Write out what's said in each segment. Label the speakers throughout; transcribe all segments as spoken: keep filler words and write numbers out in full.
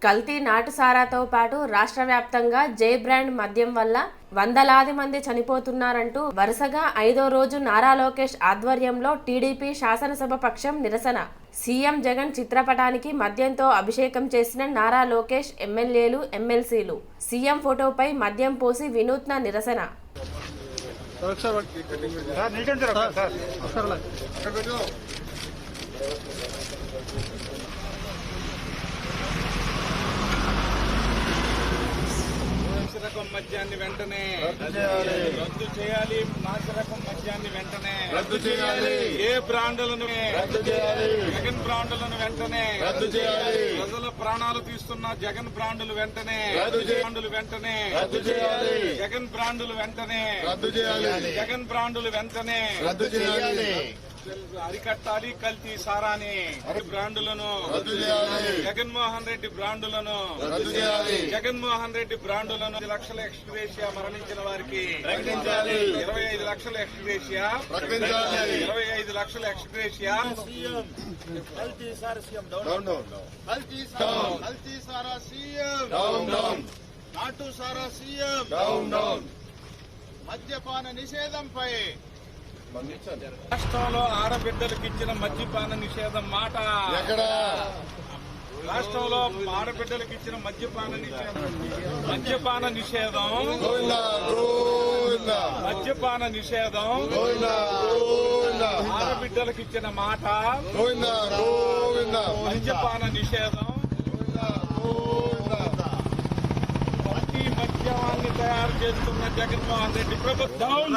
Speaker 1: కల్తీ నాటుసారాతో పాటు రాష్ట్ర వ్యాప్తంగా జై బ్రాండ్ మద్యం వల్ల వందలాది మంది చనిపోతున్నారంటూ వరుసగా ఐదో రోజు నారా లోకేష్ ఆధ్వర్యంలో టీడీపీ శాసనసభ పక్షం నిరసన. సీఎం జగన్ చిత్రపటానికి మద్యంతో అభిషేకం చేసిన నారా లోకేష్, ఎమ్మెల్యేలు, ఎమ్మెల్సీలు. సీఎం ఫోటోపై మద్యం పోసి వినూత్న నిరసన.
Speaker 2: రకం మద్యాన్ని వెంటనే రద్దు చేయాలి. నాసిరకం మద్యాన్ని వెంటనే రద్దు చేయాలి. ఏ బ్రాండ్లను రద్దు చేయాలి. జగన్ బ్రాండ్లను వెంటనే రద్దు చేయాలి. ప్రజల ప్రాణాలు తీస్తున్న జగన్ బ్రాండ్లు వెంటనే బ్రాండ్లు వెంటనే రద్దు చేయాలి. జగన్ బ్రాండ్లు వెంటనే రద్దు చేయాలి. జగన్ బ్రాండ్లు వెంటనే రద్దు చేయాలి. అరికట్టాలి కల్తీ సారాని బ్రాండులను రద్దు చేయాలి. జగన్మోహన్ రెడ్డి బ్రాండులను రద్దు చేయాలి. జగన్మోహన్ రెడ్డి బ్రాండులను లక్షల ఎక్స్గ్రేషియా మరణించిన వారికి ప్రకటించాలి. ఇరవై ఐదు లక్షల ఎక్స్గ్రేషియా ప్రకటించాలి. ఇరవై ఐదు లక్షల ఎక్స్గ్రేషియా. కల్తీ సారా సీఎం డౌన్ డౌన్. కల్తీ సారా కల్తీ సారా సీఎం డౌన్ డౌన్. నాటు సారా సీఎం డౌన్ డౌన్. మద్యపాన నిషేధంపై రాష్ట్రంలో ఆడబిడ్డలకు ఇచ్చిన మద్యపాన నిషేధం మాట ఎక్కడ? రాష్ట్రంలో ఆడబిడ్డలకు ఇచ్చిన మద్యపాన నిషేధం మద్యపాన నిషేధం మద్యపాన నిషేధం ఆడబిడ్డలకు ఇచ్చిన మాట మద్యపాన నిషేధం. మద్యాన్ని తయారు చేస్తున్న జగన్మోహన్ రెడ్డి ప్రభుత్వం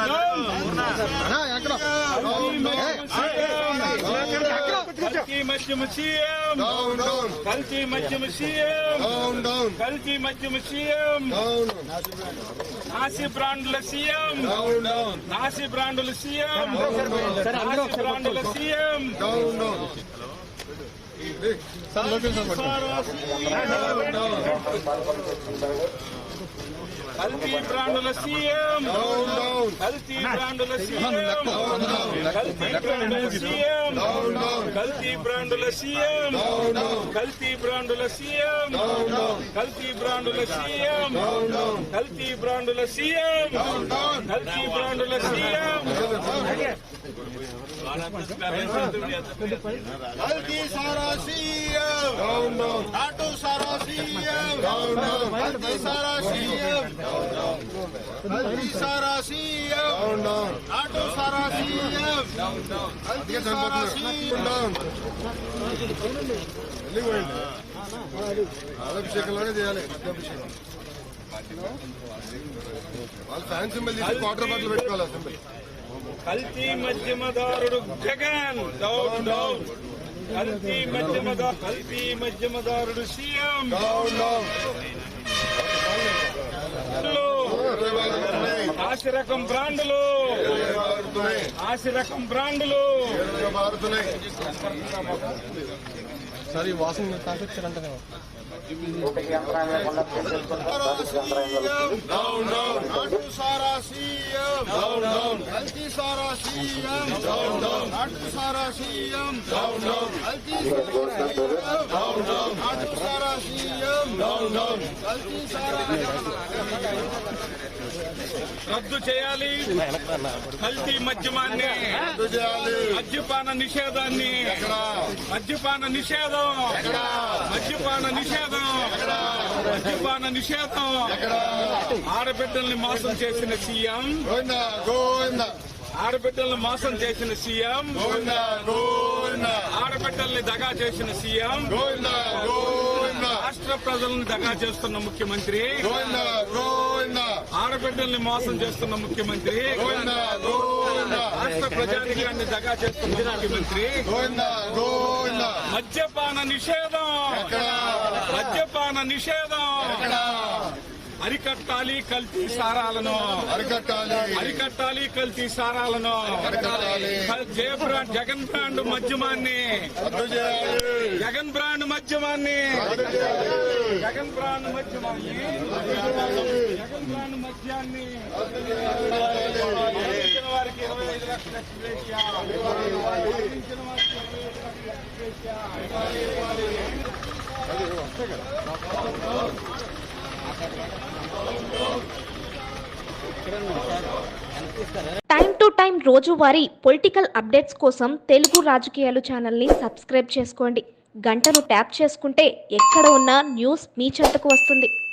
Speaker 2: కల్తీ మద్యము సీఎం కల్తీ మద్యము సీఎం కల్తీ మద్యము సీఎం నాసి బ్రాండ్ల సీఎం నాసి బ్రాండ్ల సీఎం నాసి బ్రాండ్ల సీఎం కల్తీ బ్రాండుల సీఎం కల్తీ బ్రాండుల సీఎం కల్తీ బ్రాండుల సీఎం కల్తీ బ్రాండుల సీఎం కల్తీ బ్రాండుల సీఎం కల్తీ బ్రాండుల సీఎం కల్తీ బ్రాండుల సీఎం కల్తీ బ్రాండుల సీఎం కల్తీ సారా సీఎం నాటు సారా సీఎం కల్తీ సారా సీఎం కల్తీ సారా సీఎం నాటు సారా సీఎం కల్తీ సారా సీఎం.
Speaker 3: అభిషేకంలోనే చేయాలి. అభిషేకం వాళ్ళు ఫ్యాన్ సింబల్ తీసి క్వార్టర్ బాటిల్ పెట్టుకోవాలి. సింబల్
Speaker 2: కల్తీ మధ్యమదారుడు జగన్ డౌన్ డౌన్. కల్తీ మధ్యమదారు కల్తీ మధ్యమదారుడు సీఎం డౌన్ డౌన్. ఆసి రకం బ్రాండ్లు ఆసి రకం బ్రాండ్లు
Speaker 3: సరే వాసన తాకొచ్చారంట.
Speaker 2: నాటు సారా సీఎం కల్తీ సారా సీఎం నాటు సారా సీఎం కల్తీ నాటు సారా సీఎం కల్తీ సారా రద్దు చేయాలి. కల్తీ మద్యమాన్ని మద్యపాన నిషేధాన్ని మద్యపాన నిషేధం మద్యపాన నిషేధం మద్యపాన నిషేధం. ఆడబిడ్డల్ని మోసం చేసిన సీఎం ఆడబిడ్డల్ని మోసం చేసిన సీఎం ఆడబిడ్డల్ని దగా చేసిన సీఎం రాష్ట్ర ప్రజలను దగా చేస్తున్న ముఖ్యమంత్రి ఆడబిడ్డల్ని మోసం చేస్తున్న ముఖ్యమంత్రి రాష్ట్ర ప్రజానికాన్ని దగా చేస్తున్న ముఖ్యమంత్రి. మద్యపాన నిషేధం మద్యపాన నిషేధం. అరికట్టాలి కల్తీ సారాలను
Speaker 3: అరికట్టాలి
Speaker 2: అరికట్టాలి కల్తీ సారాలను. జయ బ్రాండ్ జగన్ బ్రాండ్ మద్యమాన్ని జగన్ బ్రాండ్ మద్యమాన్ని జగన్ బ్రాండ్ మద్యమాన్ని జగన్ బ్రాండ్ మద్యాన్ని వారికి ఇరవై ఐదు లక్షల ఎక్స్గ్రేషియా వారికి ఇరవై ఐదు లక్షల ఎక్స్గ్రేషియా.
Speaker 4: టైం టు టైం రోజువారీ పొలిటికల్ అప్డేట్స్ కోసం తెలుగు రాజకీయాలు ఛానల్ని సబ్స్క్రైబ్ చేసుకోండి. గంటను ట్యాప్ చేసుకుంటే ఎక్కడ ఉన్నా న్యూస్ మీ చెంతకు వస్తుంది.